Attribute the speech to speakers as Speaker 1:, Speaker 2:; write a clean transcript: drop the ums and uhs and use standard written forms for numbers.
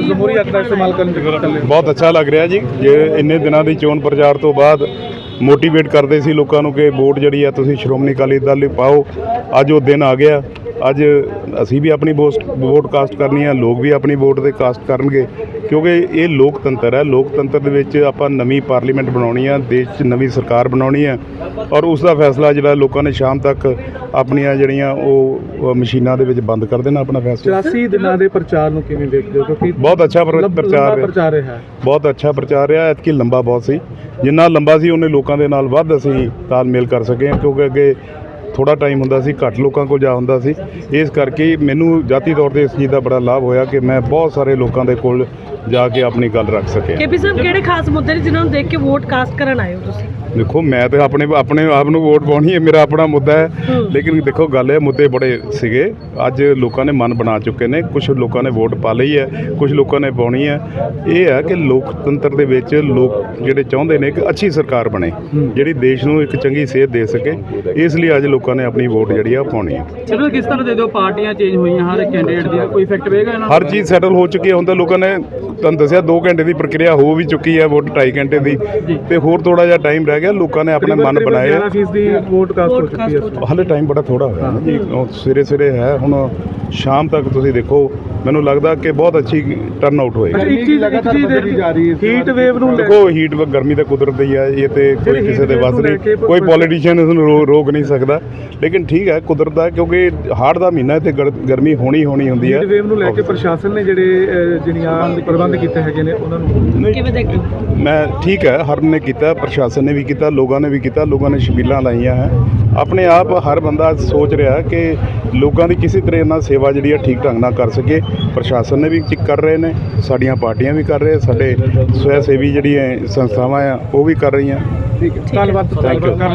Speaker 1: ਜਮਹੂਰੀ ਹੱਕ ਦਾ ਇਸਤੇਮਾਲ ਕਰਨ ਦੀ ਗੱਲ ਹੈ।
Speaker 2: ਬਹੁਤ ਅੱਛਾ ਲੱਗ ਰਿਹਾ ਜੀ। ਜੇ ਇੰਨੇ ਦਿਨਾਂ ਦੀ ਚੋਣ ਪ੍ਰਚਾਰ ਤੋਂ ਬਾਅਦ ਮੋਟੀਵੇਟ ਕਰਦੇ ਸੀ ਲੋਕਾਂ ਨੂੰ ਕਿ ਵੋਟ ਜਿਹੜੀ ਆ ਤੁਸੀਂ ਸ਼੍ਰੋਮਣੀ ਅਕਾਲੀ ਦਲ ਲਈ ਪਾਓ, ਅੱਜ ਉਹ ਦਿਨ ਆ ਗਿਆ। ਅੱਜ ਅਸੀਂ ਵੀ ਆਪਣੀ ਵੋਟ ਕਾਸਟ ਕਰਨੀ ਆ, ਲੋਕ ਵੀ ਆਪਣੀ ਵੋਟ ਦੇ ਕਾਸਟ ਕਰਨਗੇ, ਕਿਉਂਕਿ ਇਹ ਲੋਕਤੰਤਰ ਹੈ। ਲੋਕਤੰਤਰ ਦੇ ਵਿੱਚ ਆਪਾਂ ਨਵੀਂ ਪਾਰਲੀਮੈਂਟ ਬਣਾਉਣੀ ਆ, ਦੇਸ਼ 'ਚ ਨਵੀਂ ਸਰਕਾਰ ਬਣਾਉਣੀ ਆ, ਔਰ ਉਸ ਦਾ ਫੈਸਲਾ ਜਿਹੜਾ ਲੋਕਾਂ ਨੇ ਸ਼ਾਮ ਤੱਕ ਆਪਣੀਆਂ ਜਿਹੜੀਆਂ ਉਹ ਮਸ਼ੀਨਾਂ ਦੇ ਵਿੱਚ ਬੰਦ ਕਰ ਦੇਣਾ ਆਪਣਾ ਫੈਸਲਾ।
Speaker 1: 84 ਦਿਨਾਂ ਦੇ ਪ੍ਰਚਾਰ ਨੂੰ ਕਿਵੇਂ ਦੇਖਦੇ ਹੋ? ਕਿਉਂਕਿ
Speaker 2: ਬਹੁਤ ਅੱਛਾ ਪ੍ਰਚਾਰ
Speaker 1: ਰਿਹਾ ਹੈ।
Speaker 2: ਬਹੁਤ ਅੱਛਾ ਪ੍ਰਚਾਰ ਰਿਹਾ। ਐਤਕੀ ਲੰਬਾ ਬਹੁਤ ਸੀ, ਜਿੰਨਾ ਲੰਬਾ ਸੀ ਉਹਨੇ ਲੋਕਾਂ ਦੇ ਨਾਲ ਵੱਧ ਅਸੀਂ ਤਾਲਮੇਲ ਕਰ ਸਕੇ ਹਾਂ, ਕਿਉਂਕਿ ਅੱਗੇ ਥੋੜ੍ਹਾ ਟਾਈਮ ਹੁੰਦਾ ਸੀ, ਘੱਟ ਲੋਕਾਂ ਕੋਲ ਜਾ ਹੁੰਦਾ ਸੀ। ਇਸ ਕਰਕੇ ਮੈਨੂੰ ਜਾਤੀ ਤੌਰ 'ਤੇ ਇਸ ਚੀਜ਼ ਦਾ ਬੜਾ ਲਾਭ ਹੋਇਆ ਕਿ ਮੈਂ ਬਹੁਤ ਸਾਰੇ ਲੋਕਾਂ ਦੇ ਕੋਲ ਜਾ ਕੇ ਆਪਣੀ ਗੱਲ ਰੱਖ ਸਕਿਆ।
Speaker 3: ਕੇਪੀ ਸਾਹਿਬ, ਕਿਹੜੇ ਖਾਸ ਮੁੱਦੇ ਨੇ ਜਿਨ੍ਹਾਂ ਨੂੰ ਦੇਖ ਕੇ ਵੋਟ ਕਾਸਟ ਕਰਨ ਆਏ ਹੋ ਤੁਸੀਂ?
Speaker 2: ਦੇਖੋ, ਮੈਂ ਤਾਂ ਆਪਣੇ ਆਪ ਨੂੰ ਵੋਟ ਪਾਉਣੀ ਹੈ, ਮੇਰਾ ਆਪਣਾ ਮੁੱਦਾ ਹੈ। ਲੇਕਿਨ ਦੇਖੋ, ਗੱਲ ਇਹ ਮੁੱਦੇ ਬੜੇ ਸੀਗੇ। ਅੱਜ ਲੋਕਾਂ ਨੇ ਮਨ ਬਣਾ ਚੁੱਕੇ ਨੇ। ਕੁਝ ਲੋਕਾਂ ਨੇ ਵੋਟ ਪਾ ਲਈ ਹੈ, ਕੁਝ ਲੋਕਾਂ ਨੇ ਪਾਉਣੀ ਹੈ। ਇਹ ਹੈ ਕਿ ਲੋਕਤੰਤਰ ਦੇ ਵਿੱਚ ਲੋਕ ਜਿਹੜੇ ਚਾਹੁੰਦੇ ਨੇ ਕਿ ਅੱਛੀ ਸਰਕਾਰ ਬਣੇ, ਜਿਹੜੀ ਦੇਸ਼ ਨੂੰ ਇੱਕ ਚੰਗੀ ਸੇਧ ਦੇ ਸਕੇ। ਇਸ ਲਈ ਅੱਜ ਲੋਕਾਂ ਨੇ ਆਪਣੀ ਵੋਟ ਜਿਹੜੀ ਆ ਪਾਉਣੀ ਹੈ।
Speaker 1: ਚਲੋ, ਕਿਸ ਤਰ੍ਹਾਂ ਦੇ ਦਿਓ, ਪਾਰਟੀਆਂ ਚੇਂਜ ਹੋਈਆਂ, ਹਰ ਕੈਂਡੀਡੇਟ ਦੀ ਕੋਈ ਇਫੈਕਟ ਪਏਗਾ ਇਹਨਾਂ?
Speaker 2: ਹਰ ਚੀਜ਼ ਸੈਟਲ ਹੋ ਚੁੱਕੀ ਹੈ। ਹੁਣ ਤਾਂ ਲੋਕਾਂ ਨੇ ਤੁਹਾਨੂੰ ਦੱਸਿਆ 2 ਘੰਟੇ ਦੀ ਪ੍ਰਕਿਰਿਆ ਹੋ ਵੀ ਚੁੱਕੀ ਹੈ, ਵੋਟ 2.5 ਘੰਟੇ ਦੀ, ਤੇ ਹੋਰ ਥੋੜਾ ਜਿਹਾ ਟਾਈਮ ਰਹਿ ਗਿਆ। ਲੋਕਾਂ ਨੇ ਆਪਣੇ ਮਨ ਬਣਾਏ।
Speaker 1: 11% ਦੀ ਵੋਟ ਕਾਸਟ ਹੋ ਚੁੱਕੀ ਹੈ।
Speaker 2: ਹਾਲੇ ਟਾਈਮ ਬੜਾ ਥੋੜਾ ਹੋਇਆ ਨਾ ਜੀ, ਸਵੇਰੇ ਹੈ। ਹੁਣ ਸ਼ਾਮ ਤੱਕ ਤੁਸੀਂ ਦੇਖੋ, ਮੈਨੂੰ ਲੱਗਦਾ ਕਿ ਬਹੁਤ ਅੱਛੀ ਟਰਨ ਆਊਟ ਹੋਏਗੀ।
Speaker 1: ਇੱਕ ਚੀਜ਼ ਦੇਖੀ ਜਾ ਰਹੀ ਹੈ, ਹੀਟ ਵੇਵ ਨੂੰ
Speaker 2: ਦੇਖੋ। ਹੀਟ ਗਰਮੀ ਤਾਂ ਕੁਦਰਤ ਹੀ ਹੈ, ਇਹ ਤੇ ਕੋਈ ਕਿਸੇ ਦੇ ਵੱਸ ਨਹੀਂ, ਕੋਈ ਪੋਲੀਟੀਸ਼ੀਅਨ ਇਸ ਨੂੰ ਰੋਕ ਨਹੀਂ ਸਕਦਾ। ਲੇਕਿਨ ਠੀਕ ਹੈ, ਕੁਦਰਤ ਦਾ, ਕਿਉਂਕਿ ਹਾੜ ਦਾ ਮਹੀਨਾ ਤੇ ਗਰਮੀ ਹੋਣੀ ਹੁੰਦੀ ਹੈ।
Speaker 1: ਹੀਟ ਵੇਵ ਨੂੰ ਲੈ ਕੇ ਪ੍ਰਸ਼ਾਸਨ ਨੇ ਜਿਹੜੀਆਂ ਪ੍ਰਬੰਧ ਕੀਤੇ ਹੈਗੇ ਨੇ, ਉਹਨਾਂ ਨੂੰ
Speaker 3: ਕਿਵੇਂ ਦੇਖਦੇ ਹੋ?
Speaker 2: ਮੈਂ ਠੀਕ ਹੈ, ਹਰ ਨੇ ਕੀਤਾ, ਪ੍ਰਸ਼ਾਸਨ ਨੇ ਵੀ ਕੀਤਾ, ਲੋਕਾਂ ਨੇ ਵੀ ਕੀਤਾ। ਲੋਕਾਂ ਨੇ ਛਬੀਲਾਂ ਲਾਈਆਂ ਹੈ। ਆਪਣੇ ਆਪ ਹਰ ਬੰਦਾ ਸੋਚ ਰਿਹਾ ਕਿ ਲੋਕਾਂ ਦੀ ਕਿਸੇ ਤਰ੍ਹਾਂ ਨਾਲ ਸੇਵਾ ਜਿਹੜੀ ਆ ਠੀਕ ਢੰਗ ਨਾਲ ਕਰ ਸਕੇ। ਪ੍ਰਸ਼ਾਸਨ ਨੇ ਵੀ ਕਰ ਰਹੇ ਨੇ, ਸਾਡੀਆਂ ਪਾਰਟੀਆਂ ਵੀ ਕਰ ਰਹੇ, ਸਾਡੇ ਸਵੈ ਸੇਵੀ ਜਿਹੜੀਆਂ ਸੰਸਥਾਵਾਂ ਆ ਉਹ ਵੀ ਕਰ ਰਹੀਆਂ।
Speaker 1: ਠੀਕ ਹੈ, ਧੰਨਵਾਦ।